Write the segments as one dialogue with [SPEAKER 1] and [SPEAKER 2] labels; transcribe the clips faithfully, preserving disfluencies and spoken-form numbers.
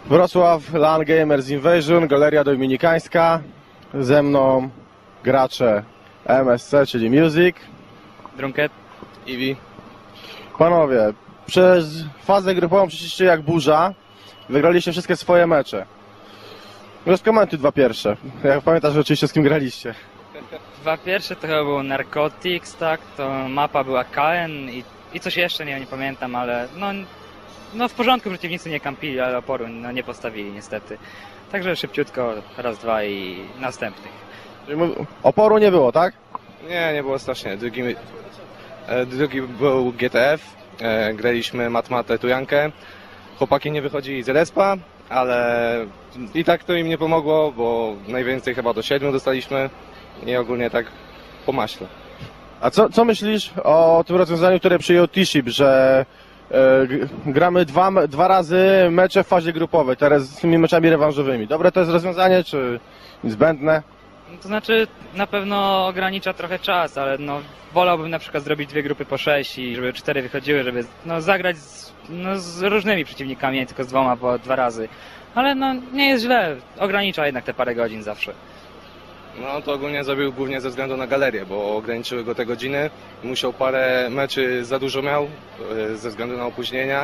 [SPEAKER 1] Wrocław, LAN Gamers Invasion, Galeria Dominikańska. Ze mną gracze M S C, czyli Music.
[SPEAKER 2] Drunket.
[SPEAKER 3] Iwi.
[SPEAKER 1] Panowie, przez fazę grupową przeszliście jak burza. Wygraliście wszystkie swoje mecze. Rozkomentuj dwa pierwsze. Jak pamiętasz oczywiście, z kim graliście.
[SPEAKER 2] Dwa pierwsze to chyba był Narcotics, tak? To mapa była K N i, i coś jeszcze, nie, nie pamiętam, ale no, no w porządku, przeciwnicy nie kampili, ale oporu no, nie postawili niestety. Także szybciutko, raz, dwa i następnych.
[SPEAKER 1] Oporu nie było, tak?
[SPEAKER 3] Nie, nie było strasznie. Drugi, e, drugi był G T F. E, graliśmy Matmatę Tujankę. Chłopaki nie wychodzili z respa, ale i tak to im nie pomogło, bo najwięcej chyba do siedmiu dostaliśmy i ogólnie tak po maśle.
[SPEAKER 1] A co, co myślisz o tym rozwiązaniu, które przyjął T-Ship, że e, g- gramy dwa, me- dwa razy mecze w fazie grupowej, teraz z tymi meczami rewanżowymi? Dobre to jest rozwiązanie, czy zbędne?
[SPEAKER 2] No, to znaczy na pewno ogranicza trochę czas, ale no wolałbym na przykład zrobić dwie grupy po sześć i żeby cztery wychodziły, żeby no, zagrać z, no, z różnymi przeciwnikami, nie tylko z dwoma po dwa razy. Ale no nie jest źle, ogranicza jednak te parę godzin zawsze.
[SPEAKER 3] No to ogólnie zrobił głównie ze względu na galerię, bo ograniczyły go te godziny. Musiał parę meczy za dużo miał e, ze względu na opóźnienia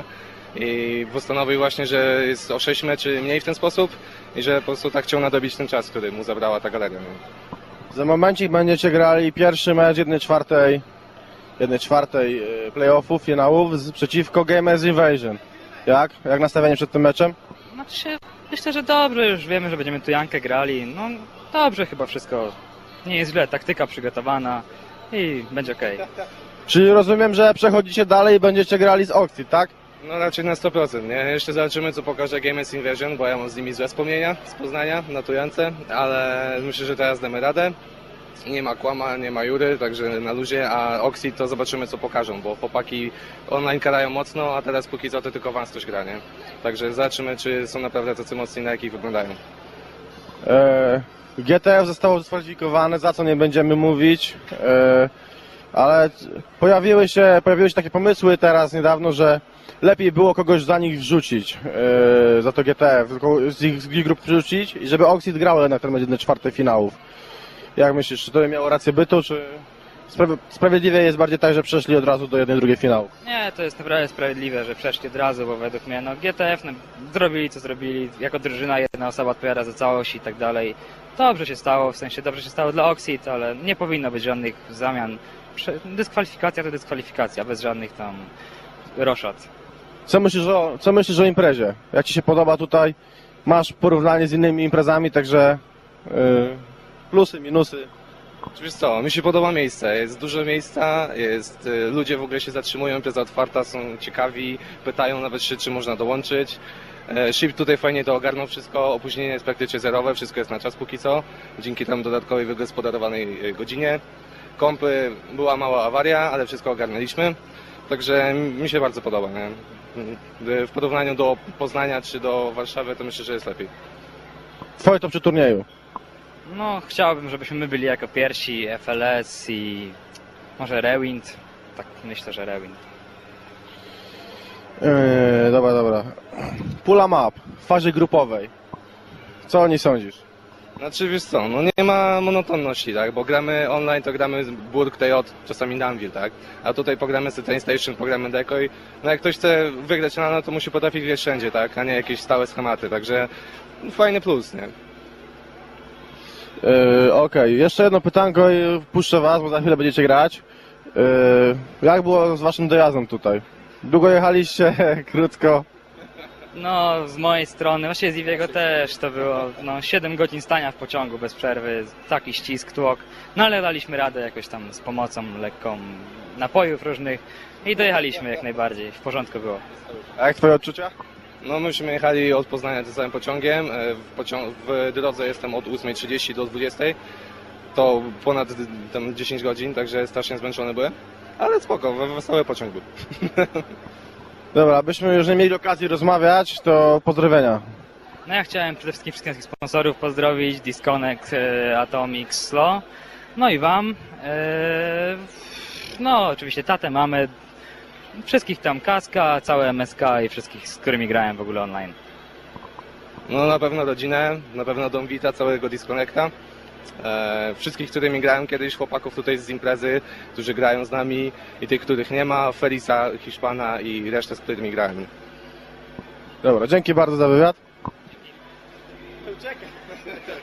[SPEAKER 3] i postanowił właśnie, że jest o sześć meczy mniej w ten sposób i że po prostu tak chciał nadobić ten czas, który mu zabrała ta galeria. Nie?
[SPEAKER 1] Za momencik będziecie grali pierwszy mecz jednej czwartej, jednej czwartej e, playoffów, finałów z, przeciwko Gamers Invasion. Jak? Jak nastawienie przed tym meczem?
[SPEAKER 2] Znaczy się, myślę, że dobrze, już wiemy, że będziemy tu Jankę grali. No dobrze chyba wszystko. Nie jest źle, taktyka przygotowana i będzie okej.
[SPEAKER 1] Czyli rozumiem, że przechodzicie dalej i będziecie grali z Oxid, tak?
[SPEAKER 3] No raczej na sto procent, nie? Jeszcze zobaczymy, co pokaże Gamers Invasion, bo ja mam z nimi złe wspomnienia z Poznania, na Tujance, ale myślę, że teraz damy radę. Nie ma Kłama, nie ma Jury, także na luzie, a Oxid to zobaczymy, co pokażą, bo chłopaki online karają mocno, a teraz póki co to tylko Wanstoś gra, nie? Także zobaczymy, czy są naprawdę tacy mocni, na jakich wyglądają.
[SPEAKER 1] E, G T F zostało dyskwalifikowane, za co nie będziemy mówić, e, ale pojawiły się, pojawiły się takie pomysły teraz niedawno, że lepiej było kogoś za nich wrzucić, e, za to G T F, tylko z ich, z ich grup wrzucić i żeby Oxid grał jednak ten jednej czwartej finałów. Jak myślisz, czy to by miało rację bytu, czy spra- sprawiedliwie jest bardziej tak, że przeszli od razu do jednej drugiej finału?
[SPEAKER 2] Nie, to jest naprawdę sprawiedliwe, że przeszli od razu, bo według mnie no G T F no, zrobili co zrobili, jako drużyna jedna osoba odpowiada za całość i tak dalej. Dobrze się stało, w sensie dobrze się stało dla Oxid, ale nie powinno być żadnych zamian. Prze- Dyskwalifikacja to dyskwalifikacja, bez żadnych tam roszad.
[SPEAKER 1] Co myślisz o, co myślisz o imprezie? Jak ci się podoba tutaj? Masz porównanie z innymi imprezami, także yy, plusy, minusy.
[SPEAKER 3] Wiesz co, mi się podoba miejsce, jest dużo miejsca, jest, y, ludzie w ogóle się zatrzymują, impreza otwarta, są ciekawi, pytają nawet się, czy można dołączyć. E, Ship tutaj fajnie to ogarnął wszystko, opóźnienie jest praktycznie zerowe, wszystko jest na czas póki co, dzięki tam dodatkowej wygospodarowanej y, godzinie. Kompy, była mała awaria, ale wszystko ogarnęliśmy, także mi się bardzo podoba, nie? Y, W porównaniu do Poznania czy do Warszawy to myślę, że jest lepiej.
[SPEAKER 1] Twoje to przy turnieju.
[SPEAKER 2] No, chciałbym, żebyśmy my byli jako pierwsi, F L S i może Rewind. Tak, myślę, że Rewind.
[SPEAKER 1] Yy, dobra, dobra. Pula map w fazie grupowej. Co o niej sądzisz?
[SPEAKER 3] Znaczy wiesz co, no nie ma monotonności, tak, bo gramy online, to gramy Burg, T J, czasami Danville, tak, a tutaj pogramy z Train Station, pogramy Decoy, no jak ktoś chce wygrać na no to musi potrafić grać wszędzie, tak, a nie jakieś stałe schematy, także fajny plus, nie.
[SPEAKER 1] Yy, Okej, jeszcze jedno pytanko i puszczę was, bo za chwilę będziecie grać. Yy, jak było z waszym dojazdem tutaj? Długo jechaliście? Krótko?
[SPEAKER 2] No, z mojej strony, właściwie z Iwiego też to było no, siedem godzin stania w pociągu bez przerwy, taki ścisk, tłok, no ale daliśmy radę jakoś tam z pomocą lekką napojów różnych i dojechaliśmy jak najbardziej, w porządku było.
[SPEAKER 1] A jak twoje odczucia?
[SPEAKER 3] No myśmy jechali od Poznania tym samym pociągiem, e, w, pocią- w drodze jestem od ósmej trzydzieści do dwudziestej, to ponad tam dziesięć godzin, także strasznie zmęczony byłem, ale spoko, we- wesoły pociąg był.
[SPEAKER 1] Dobra, abyśmy już nie mieli okazji rozmawiać, to pozdrowienia.
[SPEAKER 2] No ja chciałem przede wszystkim wszystkich sponsorów pozdrowić, Disconnect, e, Atomic, Slow, no i wam, e, no oczywiście tatę, mamy, wszystkich tam Kaska, całe M S K i wszystkich, z którymi grałem w ogóle online.
[SPEAKER 3] No na pewno rodzinę, na pewno Dom Vita, całego Disconnecta. E, wszystkich, którymi grałem kiedyś, chłopaków tutaj z imprezy, którzy grają z nami i tych, których nie ma, Felisa, Hiszpana i resztę, z którymi grałem.
[SPEAKER 1] Dobra, dzięki bardzo za wywiad. Uciekaj.